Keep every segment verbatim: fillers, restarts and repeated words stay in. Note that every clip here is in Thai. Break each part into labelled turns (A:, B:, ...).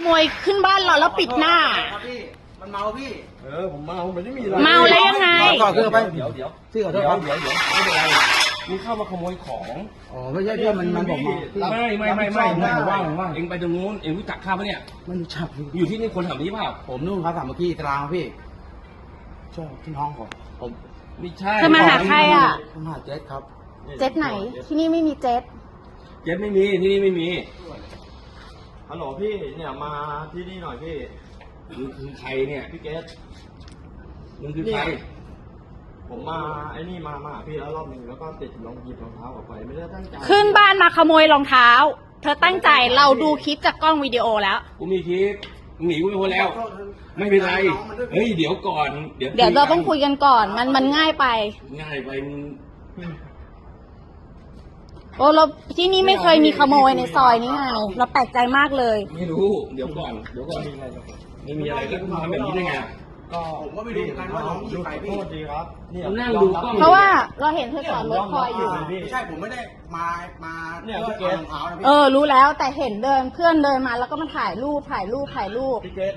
A: มวยขึ้นบ้านเราแล้วปิดหน้า
B: พี่มันเมาพี่
C: เออผมเมามันไม่มีอะไร
A: เมาแล้วยังไง
B: ก่อนเพื่อไป
C: เดี๋ยวเดี๋ยว
B: พี่ขอโท
C: เดี๋
B: ษ
C: ยว
B: ครับ
C: เดี๋ยวเดี๋ยวไม่เป็นไรมึงเข้ามาขโมยของ
B: อ๋อไม่ใช่พี่มันมันบอกมา
C: ไม่ไม่ไม่ไม่ไม่ว่างว่างเองไปตรงนู้นเองรู้จักข้าปะเนี่ย
B: มันรู้จัก
C: อยู่ที่นี่คนแถวนี้เปล่า
B: ผมนู่นครับสามเมื่อกี้ตารางพี่ใช่ที่ห้องผมผม
C: ไม่ใช่
A: เธอมาหาใครอ่ะ
B: ผมหาเจ็ดครับ
A: เจ็ตไหนที่นี่ไม่มีเจ็ต
C: เจ็ดไม่มีที่นี่ไม่มี
D: ฮัลโหลพี่เนี่ยมาที่นี่หน่อยพี่
C: มึงคือใครเนี่ย
D: พี่เกส
C: มึงคือใคร
D: ผมมาไอ้นี่มามาหาพี่แล้วรอบหนึ่งแล้วก็ติดรองหยิบรองเท้าออกไปไม่ได้ตั้งใจ
A: ขึ้นบ้านมาขโมยรองเท้า เธอตั้งใจเราดูคลิปจากกล้องวิดีโอแล้ว
C: กูมีคลิปมึงหนีกูไปพ้นแล้ว ไม่เป็นไรเฮ้ยเดี๋ยวก่อนเดี๋ยว
A: เดี๋ยวเราต้องคุยกันก่อน มันมันง่ายไป
C: ง่ายไปมึง
A: โอ้เราที่นี่ไม่เคยมีขโมยในซอยนี้ไงเราแปลกใจมากเลย
C: ไม่รู้เดี๋ยวก่อนเดี๋ยวก่อนไม่มีอะไรแล้วมึงทำแบบนี้ได้ไง
D: ก็
B: ผมก็ไม่รู้เหมือนกันว่าน้องอยู่ไหนพี่
D: โทษดีครับเนี่ย
C: ผมนั่งดูกล้อง
A: เพราะว่าเราเห็นเธอจอดรถคอยอยู่
B: ไม่ใช่ผมไม่ได้มามา
D: เนี่ย
B: เพื่
D: พี่
B: อ
D: เก
B: เอา
D: ส
B: รองเท้านะ
A: เอ
B: พี่
A: อรู้แล้วแต่เห็นเดินเพื่อนเดินมาแล้วก็มาถ่ายรูปถ่ายรูปถ่ายรูป
D: พี่เกส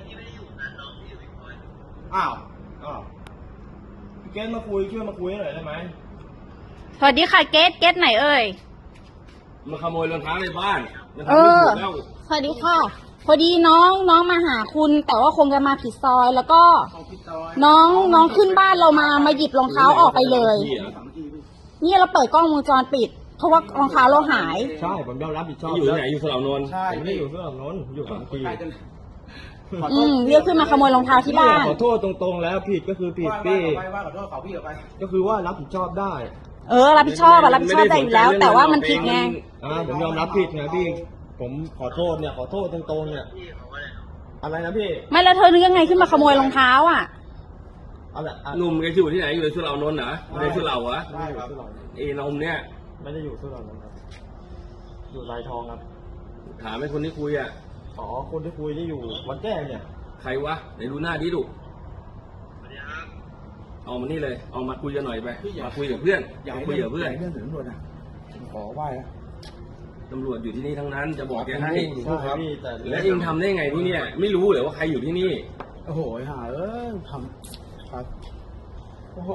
B: อ้าว
D: อ้าวพี่เกสมาคุยช่วยมาคุยหน่อยได้ไหม
A: สวัสดีค่ะเกตเกตไหนเอ่ย
C: มาขโมยรองเท้าในบ้านมัน
A: เอ
C: ทำไม่
A: อ
C: ถูกแล้ว
A: สวัสดีค่ะ พอดีน้องน้องมาหาคุณ แต่ว่าคงจะมาผิดซอยแล้วก็
B: ของพี่ซอย
A: น้องน้องขึ้นบ้านเรามามาหยิบรองเท้าออกไปเลย
C: นี่หรอ
B: สามเมื่อกี้พี่
A: นี่เราเปิดกล้องวงจรปิด เพราะว่ารองเท้าเราหาย
D: ใช่ผมยอมรับผิดชอบ
C: อยู่ที่ไหนอยู่สระนนท์
B: ใช่
D: ผมไม่
B: พี่
D: อยู่เพื่อนน้นอยู่สามปี
B: ใกล้กัน
A: อืมเรียกขึ้นมาขโมยรองเท้าที่บ้าน
D: ขอโทษตรงๆแล้วผิดก็คือผิด
B: ว่า
D: พี่
B: ว่าว่าขอโทษเขาพี่เอาไป
D: ก็คือว่ารับผิดชอบได้
A: เออรับผิดชอบอะรับผิดชอบได้อยู่แล้ว แต่ว่ามันผิดไง
D: อ่าผมยอมรับผิดไงพี่ ผมขอโทษเนี่ยขอโทษตรงๆเนี่ยอะไรนะพี่
A: ไม่แล้วเธอนึกยังไงขึ้นมาขโมยรองเท้าอ่ะ
D: อะไรอ่ะ
C: หนุ่มแกอยู่ที่ไหนอยู่ในสุเหร่านนท์เหรออยู่ในสุเหร่าวะ
D: ได้ครับ
C: เอนมเนี่ย
D: ไม่ได้อยู่สุเหร่านะครับอยู่ลายทองครับ
C: ถามให้คนที่คุยอ่ะ
D: อ๋อคนที่คุยที่อยู่วัดแจ้งเนี่ย
C: ใครวะไหนดูหน้าดิดุเอามานี่เลยเอามาคุยกันหน่อยไปมาคุยกับเพื่อน
B: อย่า
C: มา
B: ให้
C: คุยกับเพื่อน
B: เรื่องถึงตำรวจนะผมขอไหว้นะ
C: ตำรวจอยู่ที่นี่ทั้งนั้นจะบอกแกให้
D: ใช่ครับพี่แต่
C: แล้วเองทำได้ไงที่เนี่ย ไม่รู้เลยว่าใครอยู่ที่นี่
B: โอ้โหหาเออทำครับโอ้โห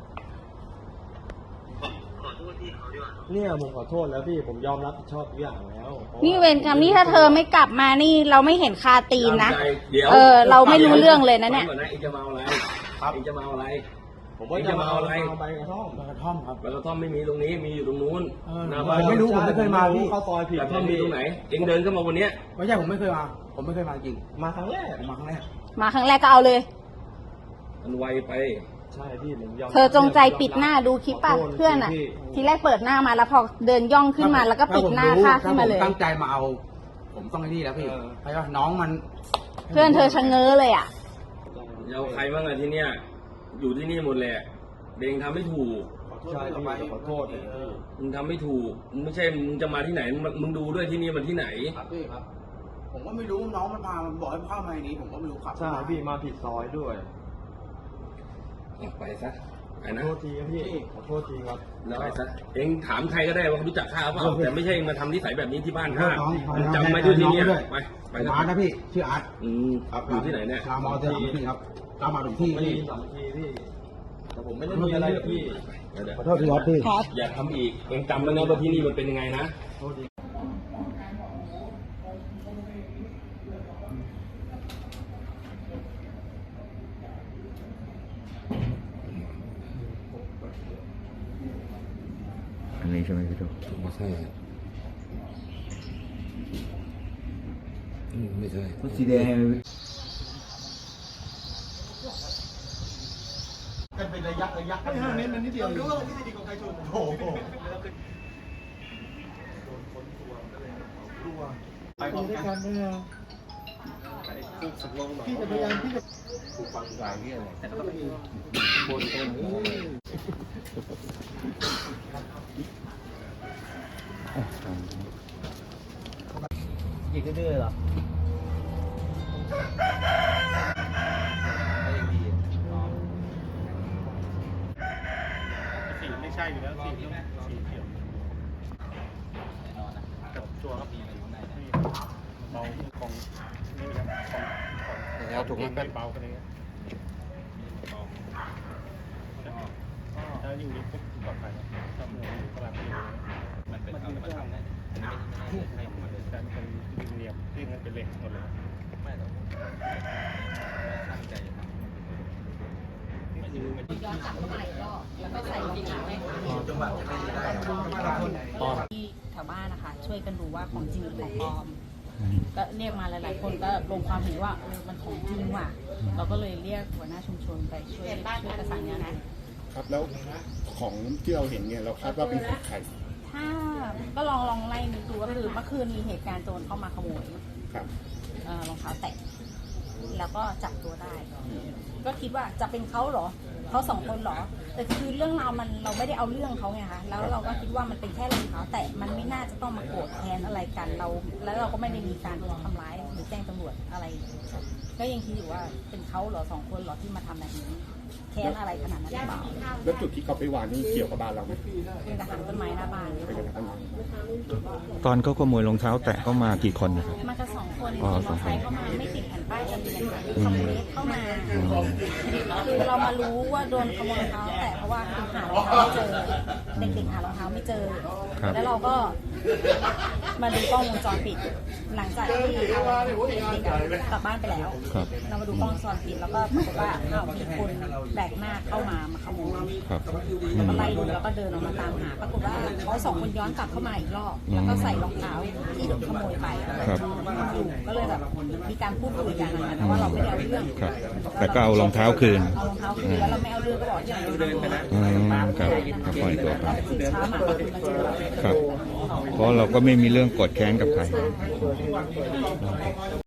D: เนี่ยผมขอโทษแล้วพี่ผมยอมรับผิดชอบทุกอย่างแล้วพราะว่า
A: นี่เวรกรรมนี่ถ้าเธอไม่กลับมานี่เราไม่เห็นคาตีนนะ
C: ตามใจเดี๋ยว
A: เออเราไม่รู้เรื่องเลยนะเนี่ย
C: ฟังก่อเองจะมาเอาอะไรเองจะมาเอาอะไร
D: ผมว่าจะมาเอาอะไรเอาใบกระท่อม
B: มากระท่อมครับ
C: ใบกระท่อมไม่มีตรงนี้มีอยู่ตรงนู้น
B: เออ
C: หน้า
B: ผ
C: บ้าน
B: มไม่รู้ผมไม่เคยมาพี่
D: เข้าซอยผิด
C: กระท่อมมีตรงไหน เองเดินเข้ามาวันเนี้ย
B: ไม่ใช่ผมไม่เคยมา ผมไม่เคยมาจริง
D: มาครั้งแรก
B: ผมมาครั้งแรก
A: มาครั้งแรกก็เอาเลย
C: มันไวไป
D: ใช่พี่ผมยอม
A: เธอจงใจปิดหน้าดูคลิปป่ะเพื่อนอ่ะ ทีแรกเปิดหน้ามาแล้วพอเดินย่องขึ้นมาแล้วก็ปิดหน้าค่าขึ้นมาเลย
B: ถ้ผมตั้งใจมาเอา ผมต้องไอ้นี่แล้วพี่เพราะว่าน้องมัน
A: เพื่อนเธอชะเง้อเลยอ่ะ
C: เอาใครบ้างอะที่เนี้ยอยู่ที่นี่หมดแหละเองทำไม่ถูก
D: ใช่พี่ขอโทษเลยพี่
C: มึงทำไม่ถูกมึงไม่ใช่มึงจะมาที่ไหนมึงมึงดูด้วยที่นี่มันที่ไหน
B: ครับพี่ครับ ผมก็ไม่รู้น้องมันพามันบอกให้เข้ามาในนี้ ผมก็ไม่รู้ขับ
D: ใช่พี่มาผิดซอยด้วย
C: ไปซะไป
D: ขอ
C: นะ
D: โทษทีครับพี่ขอโทษทีครับ
C: แล้วไปซะเองถามใครก็ได้ว่าเขารู้จักข้าเปล่าแต่ไม่ใช่มาทำนิสัยแบบนี้ที่บ้านข้า
B: น้อง
C: มึงจำไว้ด้วยที่เนี่ยไปไป
B: ผม
C: นะ
B: อาร์ตนะพี่ ชื่ออาร์ต
C: อืมอยู่ที่ไหนเนี่ย
B: รามอเตอร์พี่ครับรามอถึงที่
D: ไม่
B: พี่
D: มีสามทีพี่แต่ผมไม่ได้มีอะไรกับพี่
C: เดี๋ยว
B: ขอโทษทีครับพี่
C: อย่าทำอีกเองจำไว้นะว่าที่นี่มันเป็นยังไงนะ
D: โทษที
E: อันนี้ใช่ไหมพี่โจ
C: ไม่ใช่ไม่ใช่
E: รถสีแดง
B: กันเป็นระยะระยะไม่ห้าเมตรมันนิดเดียวรู้ว่าที่ดีของใครชนโอ้โหไปพร้อมกันพี่จะพยายามพี่จะฟังสายนี่อะไรแต่ก็ไม่มีบนต้นยิงก็ดื้อเหรอสีไม่ใช่อยู่แล้วสีสีเขียวแต่ตัวก็มีอะไรอยู่ในเบาของนี่ครับเอาถุงมากัน
F: เบากันอย่างเงี้ยถ้าอยู่ในปุ๊บปลอดภัยถ้าเมื่ออยู่กำลังอยู่มันเป็นเอามาทำนะอันนี้ไม่ไม่ใช่ของมันเลยแต่มันเป็นเหลี่ยมที่มันเป็นเหล็กหมดเลยไม่หรอกตั้งใจไม่ยืมไม่
A: ย้อนกลับเข้ามาอีกรอบแล้วก็ใส่รองเท้าให้ที่แถวบ้านนะคะช่วยกันดูว่าของจริงหรือของปลอมก็เรียกมาหลายๆคนก็ลงความเห็นว่าเออมันของจริงว่ะเราก็เลยเรียกหัวหน้าชุมชนไปช่วยช่วยประสานงานนะครับ
B: แล้วของที่เราเห็นเนี่ยเราคาดว่าเป็นของใคร
A: ถ้าก็ลองลองไล่ดูก็คือเมื่อคืนมีเหตุการณ์โจรเข้ามาขโมย
B: ครับ
A: เอ่อรองเท้าแตะแล้วก็จับตัวได้ ก็คิดว่าจะเป็นเขาเหรอเขาสองคนเหรอแต่คือเรื่องราวมันเราไม่ได้เอาเรื่องเขาไงคะแล้วเราก็คิดว่ามันเป็นแค่รองเท้าแตะมันไม่น่าจะต้องมาโกรธแค้นอะไรกันเรา แล้วเราก็ไม่ได้มีการทำร้ายหรือแจ้งตำรวจอะไรก็ยังคิดอยู่ว่าเป็นเขาเหรอสองคนเหรอที่มาทำแบบนี้แค้นอะไรขนาดนั้นหรือเปล่า
B: แล้วจุดที่เขาไปวางนี่เกี่ยวกับบ้านเราไหม
A: เป็นกระถางต้นไม้หน้าบ้าน
B: ไปกันทั้งหมด
E: ตอนเขาขโมยรองเท้าแตะเข้ามากี่คนนะครับ
A: มากันสองคน
E: อ๋อ
A: มอเต
E: ส
A: อ
E: อง
A: ร์
E: ค
A: ไซ
E: น
A: ค์เข้ามาไม่ติดแผ่นป้ายทะเบียนค่ะขโมยเข้ามาคือเรามารู้ว่าโดนขโมยรองเท้าแตะเพราะว่าคือหารองเท้าไม่เจอเด็กๆหารองเท้าไม่เจอ แล้วเราก็มาดูกล้องวงจรปิด หลังจากที่เด็กๆกลับบ้านไปแล้ว
E: ครับ
A: เรามาดูกล้องวงจรปิดแล้วก็ปรากฏว่าอ้าวมีคนแบกหน้าเข้ามามาขโมย
E: ครับอื
A: แล้ว
E: ม
A: ก็ไล่ดูแล้วก็เดินออกมาตามหาปรากฏว่าเขาสองคนย้อนกลับเข้ามาอีกรอบแล้วก็ใส่รองเท้าที่โดนขโมยไป
E: ครับ
A: อยู่ก็เลยแบบมีการพูดคุยกันนะคะแต่ว่าเราไม่ได้เอาเรื่อง
E: ครับ แต่ก็เอารองเท้าคืน
A: เอารองเท้าคืนแล้วเราไม่เอาเรื่องก็บอกที่เราเดินไปนะ
E: อืมครับก็ปล่อยตัวไป
A: คือเช้ามาเราถึงมาเจอเรา
E: ครับ เพราะเราก็ไม่มีเรื่องโกดแค้นกับใคร